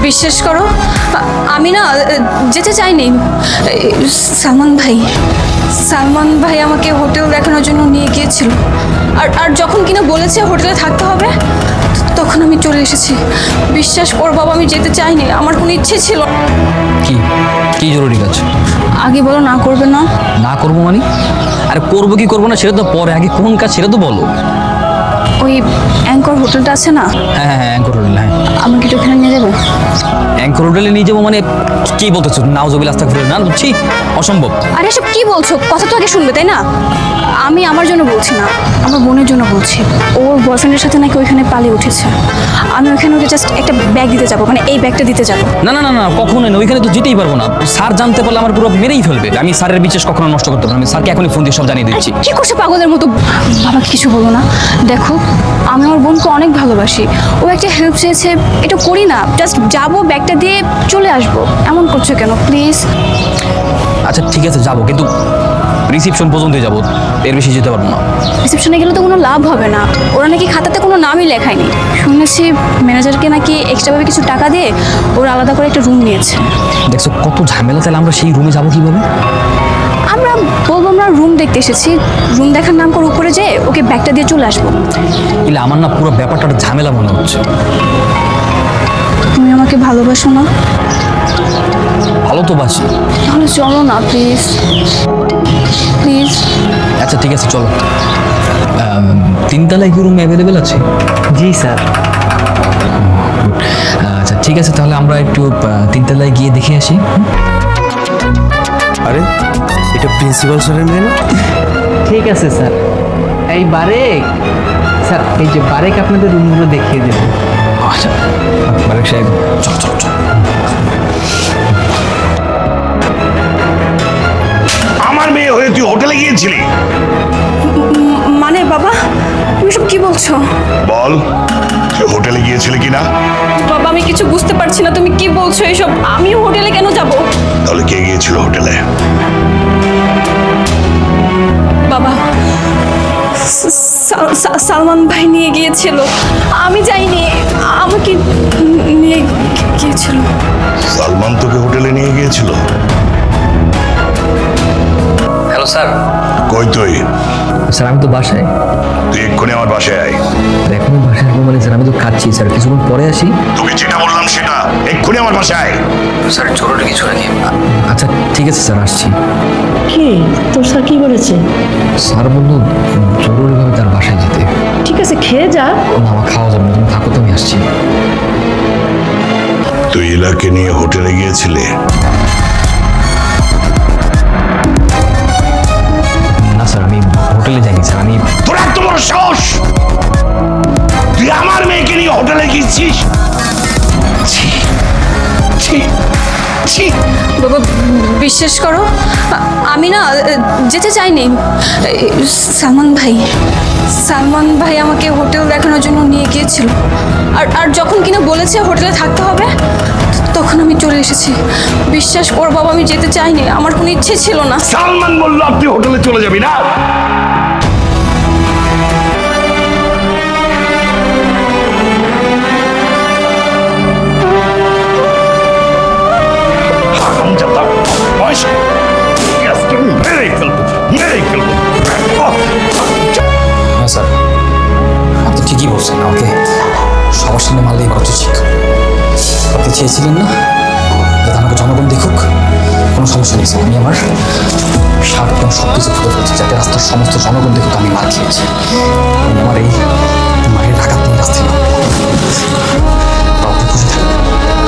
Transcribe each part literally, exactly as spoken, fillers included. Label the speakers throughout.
Speaker 1: বিশ্বাস করো আমি না যেতে চাইনি। সালমান ভাই সালমান ভাই আমাকে হোটেল দেখানোর জন্য নিয়ে গিয়েছিল, আর আর যখন কিনা বলেছে হোটেলে থাকতে হবে তখন আমি চলে এসেছি। বিশ্বাস কর বাবা, আমি যেতে চাইনি, আমার কোনো ইচ্ছে ছিল না।
Speaker 2: কি কি জরুরি কাজ?
Speaker 1: আগে বলো না করবে না।
Speaker 2: না করবো মানে? আরে করবো কি করবো না সেটা তো পরে, আগে কোন কাজ সেটা তো বলো।
Speaker 1: ওই অ্যাঙ্কর হোটেলটা আছে না?
Speaker 2: হ্যাঁ হ্যাঁ অ্যাঙ্কর হোটেল, হ্যাঁ।
Speaker 1: আমাকে একটু ওখানে নিয়ে যাবে?
Speaker 2: অ্যাঙ্কর হোটেলে নিয়ে যাবো মানে কি বলতেছো? নাউজুবিল্লাহ আস্তাগফিরুল্লাহ, না বুঝছি অসম্ভব।
Speaker 1: আরে এসব কি বলছো? কথা তো আগে শুনবে তাই না? আমি আমার জন্য বলছি না, আমার বোনের জন্য বলছি। ওর বয়ফ্রেন্ডের সাথে নাকি ওইখানে পালিয়ে উঠেছে। আমি ওইখানে ওকে জাস্ট একটা ব্যাগ দিতে যাবো, মানে এই ব্যাগটা দিতে যাবো।
Speaker 2: না না না না কখনোই না, ওইখানে তো যেতেই পারবো না। স্যার জানতে পারলে আমার পুরো মেরেই ফেলবে। আমি স্যারের বিশেষ কখনো নষ্ট করতে পারবো না। আমি স্যারকে এখনই ফোন দিয়ে সব জানিয়ে দিচ্ছি।
Speaker 1: কি করছে পাগলের মতো? বাবাকে কিছু বলো না। দেখো আমি আমার বোনকে অনেক ভালোবাসি, ও একটা হেল্প চেয়েছে, এটা করি না। জাস্ট যাবো, ব্যাগটা দিয়ে চলে আসবো। এমন করছো কেন প্লিজ?
Speaker 2: আচ্ছা ঠিক আছে যাবো, কিন্তু রিসিপশন পর্যন্তই যাবো, এর বেশি যেতে পারবো না।
Speaker 1: রিসেপশনে গেলে তো কোনো লাভ হবে না, ওরা নাকি খাতাতে কোনো নামই লেখায়নি। শুনেছি ম্যানেজারকে নাকি এক্সট্রাভাবে কিছু টাকা দিয়ে ওরা আলাদা করে একটা রুম নিয়েছে।
Speaker 2: দেখছো কত ঝামেলা, তাহলে আমরা সেই রুমে যাবো কিভাবে?
Speaker 1: আমরা বলবো আমরা রুম দেখতে এসেছি, রুম দেখার নাম করে উপরে যেয়ে ওকে ব্যাগটা দিয়ে চলে আসবো।
Speaker 2: ইলে আমার না পুরো ব্যাপারটা একটা ঝামেলা মনে হচ্ছে।
Speaker 1: তুমি আমাকে ভালোবাসো না?
Speaker 2: ভালো তো বাসি।
Speaker 1: তাহলে চলো না প্লিজ প্লিজ।
Speaker 2: আচ্ছা ঠিক আছে চলো। তিনতলায় কি রুম অ্যাভেলেবেল আছে?
Speaker 3: জি স্যার।
Speaker 2: আচ্ছা ঠিক আছে, তাহলে আমরা একটু আহ, তিনতলায় গিয়ে দেখে আসি।
Speaker 4: আরে এটা প্রিন্সিপাল স্যারের মেয়ে না?
Speaker 3: ঠিক আছে স্যার। এই বারেক স্যার, এই যে বারেক আপনাদের রুমগুলো দেখিয়ে দেবে।
Speaker 2: আচ্ছা বারেক সাহেব চল চল চল।
Speaker 5: আমার মেয়ে হয়ে তুই হোটেলে গিয়েছিলি?
Speaker 1: মানে বাবা তুমি সব কি বলছো?
Speaker 5: বল, তুই হোটেলে গিয়েছিলি কিনা?
Speaker 1: বাবা আমি কিছু বুঝতে পারছি না, তুমি কি বলছো এসব? আমি হোটেলে কেন যাব?
Speaker 5: তাহলে কে গিয়েছিল হোটেলে?
Speaker 1: বাবা সা- সা- সালমান ভাই নিয়ে গিয়েছিল, আমি যাইনি, আমাকে নিয়ে গিয়েছিল।
Speaker 5: সালমান তোকে হোটেলে নিয়ে গিয়েছিল?
Speaker 2: Hello sir.
Speaker 5: কই তুই?
Speaker 2: স্যার আমি তো বাসায়।
Speaker 5: তুই এক্ষুনি আমার বাসায় আয়।
Speaker 2: এখনো বাসায় আসবো মানে স্যার আমি তো খাচ্ছি স্যার, কিছুক্ষণ পরে আসি।
Speaker 5: তোকে যেটা বললাম সেটা, এক্ষুনি আমার বাসায় আয়।
Speaker 2: স্যার জরুরি কিছু নাকি? আচ্ছা ঠিক আছে স্যার আসছি।
Speaker 6: কি তোর স্যার কি বলেছে?
Speaker 2: স্যার বললো জরুরিভাবে তার বাসায় যেতে।
Speaker 6: ঠিক আছে খেয়ে যা।
Speaker 2: না আমার খাওয়া যাবে না, তুমি থাকো তো আমি আসছি।
Speaker 5: তুই ইলাকে নিয়ে হোটেলে গিয়েছিলি?
Speaker 2: না স্যার আমি হোটেলে যাইনি স্যার। আমি
Speaker 5: তোর এত বড় সাহস, তুই আমার মেয়েকে নিয়ে হোটেলে গিয়েছিস? ছি ছি ছি।
Speaker 1: বাবা বিশ্বাস করো আমি না যেতে চাইনি। সালমান ভাই সালমান ভাই আমাকে হোটেল দেখানোর জন্য নিয়ে গিয়েছিল, আর আর যখন কিনা বলেছে হোটেলে থাকতে হবে তখন আমি চলে এসেছি। বিশ্বাস কর বাবা, আমি যেতে চাইনি, আমার কোনো ইচ্ছে ছিল না।
Speaker 5: সালমান বললো আপনি হোটেলে চলে যাবি না? হারামজাদা, বয়স- আজকে মেরেই ফেলবো, মেরেই ফেলবো।
Speaker 2: হ্যাঁ স্যার আপনি ঠিকই বলছেন, আমাকে সবার সামনে মারলেই কত শিক্ষা। আপনি চেয়েছিলেন না যাতে আমাকে জনগণ দেখুক? কোনো সমস্যা নেই স্যার, আমি আমার সাত কোনো সব কিছু খুলে ফেলছি যাতে রাস্তার সমস্ত জনগণ দেখুক আমি মার খেয়েছি। আমি আমার এই মায়ের আঘাত নিয়ে রাস্তায় নামবো। তাও আপনি খুশি থাকবেন।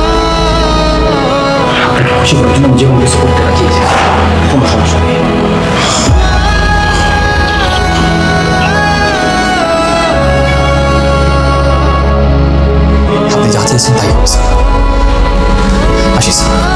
Speaker 2: আপনাকে খুশি করার জন্য আমি যে কোনো কিছু করতে রাজি আছি, কোনো সমস্যা নেই। আপনি যা চেয়েছেন তাই হবে স্যার। আসি স্যার।